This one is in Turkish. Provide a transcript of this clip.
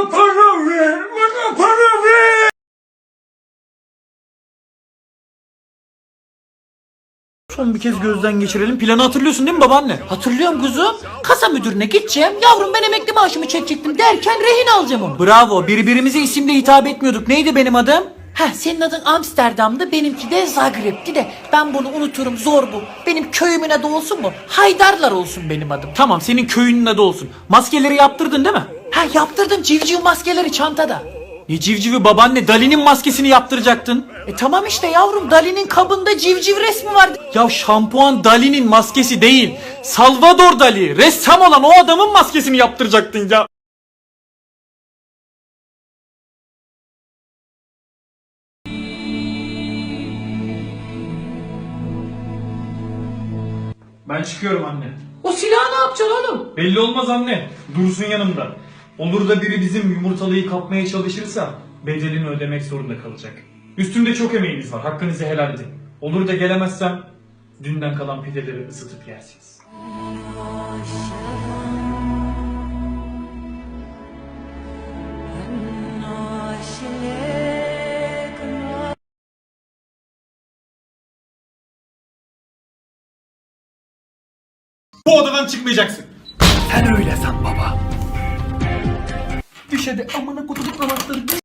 Bana para ver, bana para ver. Son bir kez gözden geçirelim. Planı hatırlıyorsun değil mi babaanne? Hatırlıyorum kuzum. Kasa müdürüne gideceğim. Yavrum ben emekli maaşımı çekecektim derken rehin alacağım onu. Bravo, birbirimize isimle hitap etmiyorduk. Neydi benim adım? Heh, senin adın Amsterdam'dı, benimki de Zagreb'ti de ben bunu unuturum, zor bu. Benim köyümün adı olsun mu? Haydarlar olsun benim adım. Tamam, senin köyünün adı olsun. Maskeleri yaptırdın değil mi? Ha, yaptırdım, civciv maskeleri çantada. Ne civcivi babaanne, Dali'nin maskesini yaptıracaktın. Tamam işte yavrum, Dali'nin kabında civciv resmi vardı. Ya şampuan Dali'nin maskesi değil. Salvador Dali, ressam olan o adamın maskesini yaptıracaktın ya. Ben çıkıyorum anne. O silahı ne yapacaksın oğlum? Belli olmaz anne. Dursun yanımda. Olur da biri bizim yumurtalıyı kapmaya çalışırsa bedelini ödemek zorunda kalacak. Üstümde çok emeğiniz var. Hakkınızı helal edin. Olur da gelemezsem dünden kalan pideleri ısıtıp yersiniz. Bu odadan çıkmayacaksın. Sen öyle san baba. Düş hadi amına kutup anahtarı.